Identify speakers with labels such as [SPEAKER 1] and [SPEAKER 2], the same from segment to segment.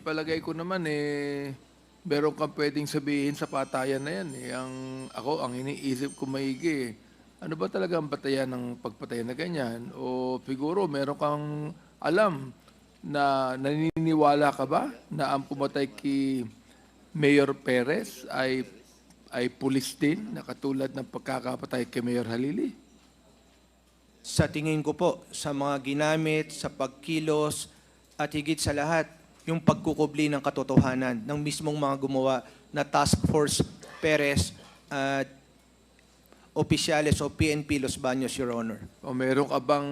[SPEAKER 1] palagay ko naman meron kang pwedeng sabihin sa patayan na yan eh. Ang iniisip ko maigi ano ba talaga ang batayan ng pagpatay na ganyan? O siguro meron kang alam na naniniwala ka ba na ang pumatay kay Mayor Perez ay pulis din na katulad ng pagkakapatay kay Mayor Halili?
[SPEAKER 2] Sa tingin ko po, sa mga ginamit, sa pagkilos, at higit sa lahat, yung pagkukubli ng katotohanan ng mismong mga gumawa na Task Force Perez at opisyales o PNP Los Baños, Your Honor.
[SPEAKER 1] O meron ka bang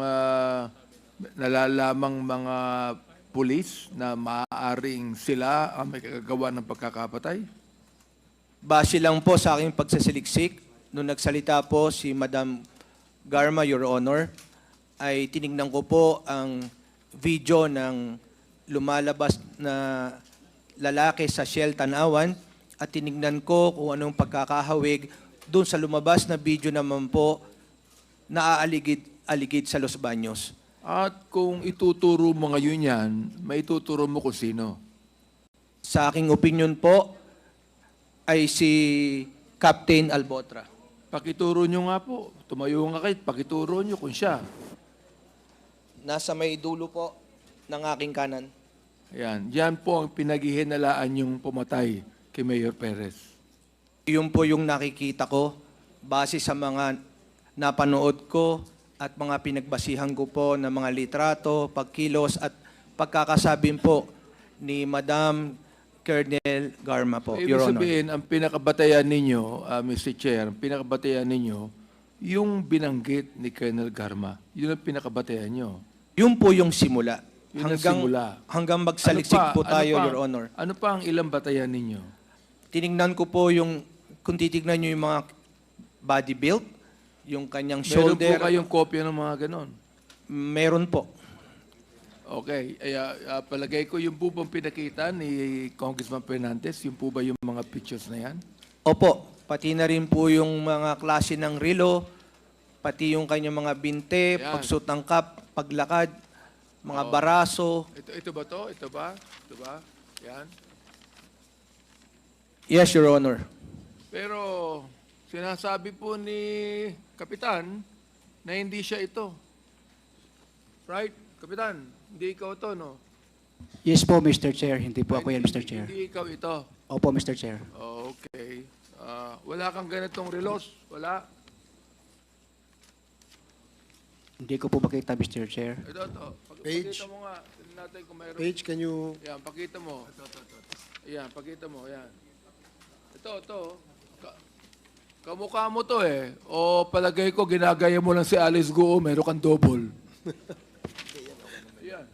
[SPEAKER 1] nalalamang mga pulis na maaaring sila ang may kagagawa ng pagkakapatay?
[SPEAKER 2] Base lang po sa aking pagsasaliksik, nung nagsalita po si Madam Garma, Your Honor, ay tinignan ko po ang video ng lumalabas na lalaki sa Shell Tanawan at tinignan ko kung anong pagkakahawig doon sa lumabas na video naman po na aaligid sa Los Baños.
[SPEAKER 1] At kung ituturo mo ngayon yan, maituturo mo kung sino?
[SPEAKER 2] Sa aking opinion po ay si Captain Albotra.
[SPEAKER 1] Pakituro nyo nga po. Tumayo nga kayo, pakituro nyo kung siya.
[SPEAKER 2] Nasa may dulo po ng aking kanan.
[SPEAKER 1] Ayan. Yan po ang pinaghihinalaan yung pumatay kay Mayor Perez.
[SPEAKER 2] Yun po yung nakikita ko base sa mga napanood ko at mga pinagbasihan ko po ng mga litrato, pagkilos at pagkakasabing po ni Madam Colonel Garma po,
[SPEAKER 1] Ibig
[SPEAKER 2] Your Honor.
[SPEAKER 1] sabihin, ang pinakabatayan ninyo, Mr. Chair, ang pinakabatayan ninyo, yung binanggit ni Colonel Garma, yun ang pinakabatayan nyo.
[SPEAKER 2] Yun po yung simula.
[SPEAKER 1] Yun ang simula.
[SPEAKER 2] Hanggang magsaliksik po tayo, Your Honor.
[SPEAKER 1] Ano pa ang ilang batayan ninyo?
[SPEAKER 2] Tinignan ko po yung, kung titignan nyo yung mga body build, yung kanyang
[SPEAKER 1] Meron po
[SPEAKER 2] shoulder.
[SPEAKER 1] kayong kopya ng mga ganon?
[SPEAKER 2] Meron po.
[SPEAKER 1] Okay. Palagay ko yung po bang pinakita ni Congressman Fernandez, yung po ba yung mga pictures na yan?
[SPEAKER 2] Opo, pati na rin po yung mga klase ng relo, pati yung kanyang mga binte,
[SPEAKER 1] Yan.
[SPEAKER 2] pagsuot ng cap, paglakad, mga baraso.
[SPEAKER 1] Ito ba to? Ito ba? Ito ba? Yan.
[SPEAKER 2] Yes, Your Honor.
[SPEAKER 1] Pero sinasabi po ni Kapitan na hindi siya ito. Right? Kapitan, hindi ikaw to, no?
[SPEAKER 3] Yes po, Mr. Chair. Hindi po ako yan, Mr. Chair.
[SPEAKER 1] Hindi ikaw ito.
[SPEAKER 3] Opo, Mr. Chair.
[SPEAKER 1] Okay. Wala kang ganitong relos? Wala?
[SPEAKER 3] Hindi ko po makita, Mr. Chair.
[SPEAKER 1] Ito.
[SPEAKER 4] Page.
[SPEAKER 1] Pakita mo nga. Tignan natin kung mayroon.
[SPEAKER 4] Paige, can you...
[SPEAKER 1] Yan, pakita mo. Yan, pakita mo. Yan. Ito. Kamukha mo to eh. O palagay ko, ginagaya mo lang si Alice Guo, meron kang double. Yan.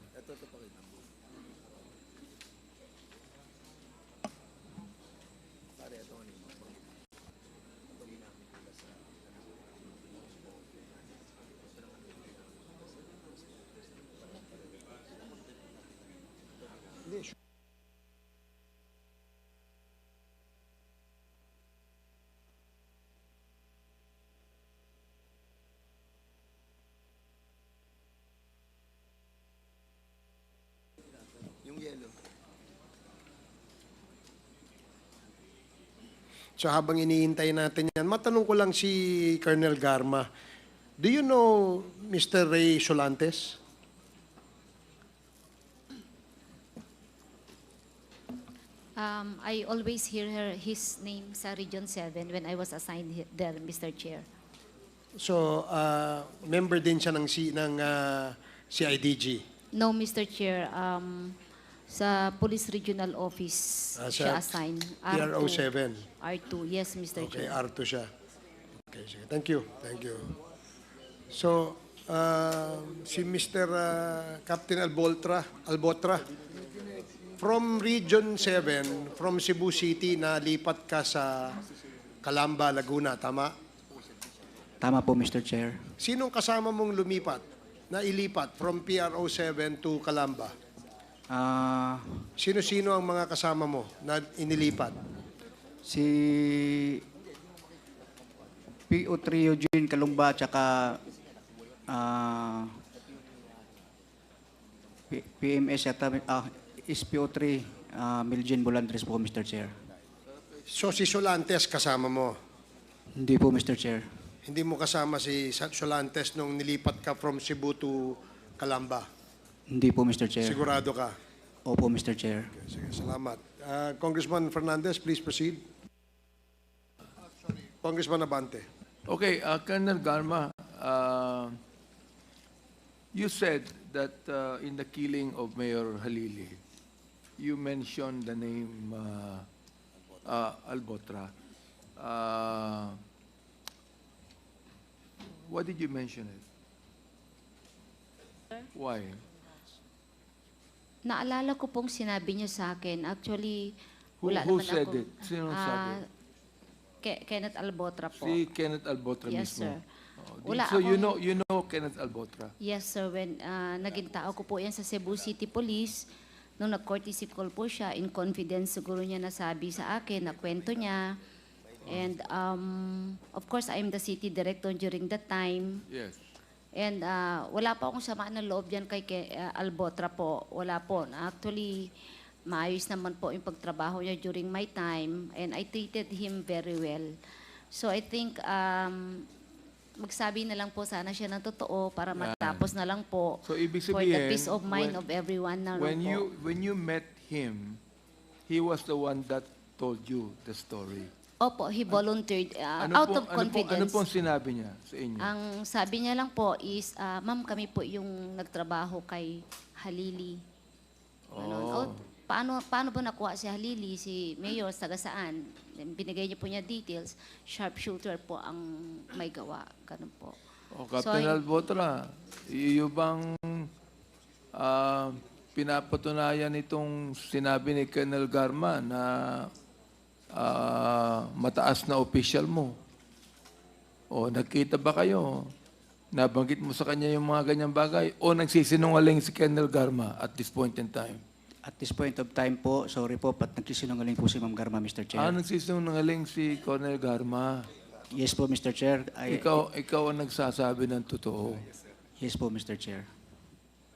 [SPEAKER 4] So habang iniintay natin yan, matanong ko lang si Colonel Garma. Do you know Mr. Ray Solantes?
[SPEAKER 5] I always hear his name sa Region 7 when I was assigned there, Mr. Chair.
[SPEAKER 4] So, member din siya ng CIDG.
[SPEAKER 5] No, Mr. Chair. Sa Police Regional Office siya assigned.
[SPEAKER 4] PRO 7.
[SPEAKER 5] R2, yes, Mr.
[SPEAKER 4] Okay,
[SPEAKER 5] Chair.
[SPEAKER 4] R2 siya. Okay, sige. Thank you. So, si Mr. Captain Albotra, from Region 7, from Cebu City, nalipat ka sa Calamba, Laguna, tama?
[SPEAKER 3] Tama po, Mr. Chair.
[SPEAKER 4] Sinong kasama mong ilipat from PRO 7 to Calamba? Sino-sino ang mga kasama mo na inilipat?
[SPEAKER 3] Si P.O. Eugene Kalumba tsaka PMS yata, SPO3 Miljen Bolandres po, Mr. Chair.
[SPEAKER 4] So si Solantes kasama mo.
[SPEAKER 3] Hindi po, Mr. Chair.
[SPEAKER 4] Hindi mo kasama si Solantes nung nilipat ka from Cebu to Calamba.
[SPEAKER 3] Hindi po, Mr. Chair.
[SPEAKER 4] Sigurado ka.
[SPEAKER 3] Opo, Mr. Chair.
[SPEAKER 4] Sige, salamat. Congressman Fernandez, please proceed. Congressman Abante.
[SPEAKER 1] Okay, Colonel Garma, you said that in the killing of Mayor Halili, you mentioned the name Albotra. Why did you mention it? Why?
[SPEAKER 5] Naalala ko pong sinabi niya sa akin. Actually, wala
[SPEAKER 1] Who
[SPEAKER 5] naman
[SPEAKER 1] said
[SPEAKER 5] ako.
[SPEAKER 1] it? Sino sabi?
[SPEAKER 5] Kenneth Albotra po.
[SPEAKER 1] Si Kenneth Albotra
[SPEAKER 5] Yes,
[SPEAKER 1] mismo.
[SPEAKER 5] sir.
[SPEAKER 1] Oh,
[SPEAKER 5] Wala
[SPEAKER 1] so you
[SPEAKER 5] akong-
[SPEAKER 1] know Kenneth Albotra.
[SPEAKER 5] Yes, sir. When naging tao ko po yan sa Cebu City Police, nung nag-courtesy call po siya, in confidence siguro niya nasabi sa akin, na kwento niya. And of course, I'm the city director during that time.
[SPEAKER 1] Yes.
[SPEAKER 5] And wala pa akong samaan ng loob yan kay Albotra po. Wala po. Actually, maayos naman po yung pagtrabaho niya during my time. And I treated him very well. So I think magsabi na lang po sana siya ng totoo para matapos na lang po.
[SPEAKER 1] So ibig
[SPEAKER 5] For
[SPEAKER 1] sabihin,
[SPEAKER 5] the peace of mind of everyone na lang po.
[SPEAKER 1] when you met him, he was the one that told you the story.
[SPEAKER 5] Opo, he volunteered out of confidence.
[SPEAKER 1] Ano pong sinabi niya sa inyo?
[SPEAKER 5] Ang sabi niya lang po is, ma'am, kami po yung nagtrabaho kay Halili. Ganun.
[SPEAKER 1] Oh.
[SPEAKER 5] Paano ba nakuha si Halili, si Mayor, taga saan? Binigay niyo po niya details. Sharpshooter po ang may gawa. Ganun po.
[SPEAKER 1] O, Captain Albotra, iyo bang pinapatunayan itong sinabi ni Colonel Garma na mataas na official mo? O nagkita ba kayo? Nabanggit mo sa kanya yung mga ganyang bagay? O nagsisinungaling si Colonel Garma at this point in time?
[SPEAKER 3] At this point of time po, sorry po, nagsisinungaling po si Ma'am Garma, Mr. Chair.
[SPEAKER 1] Nagsisinungaling si Colonel Garma.
[SPEAKER 3] Yes po, Mr. Chair.
[SPEAKER 1] Ikaw ang nagsasabi ng totoo.
[SPEAKER 3] Yes po, Mr. Chair.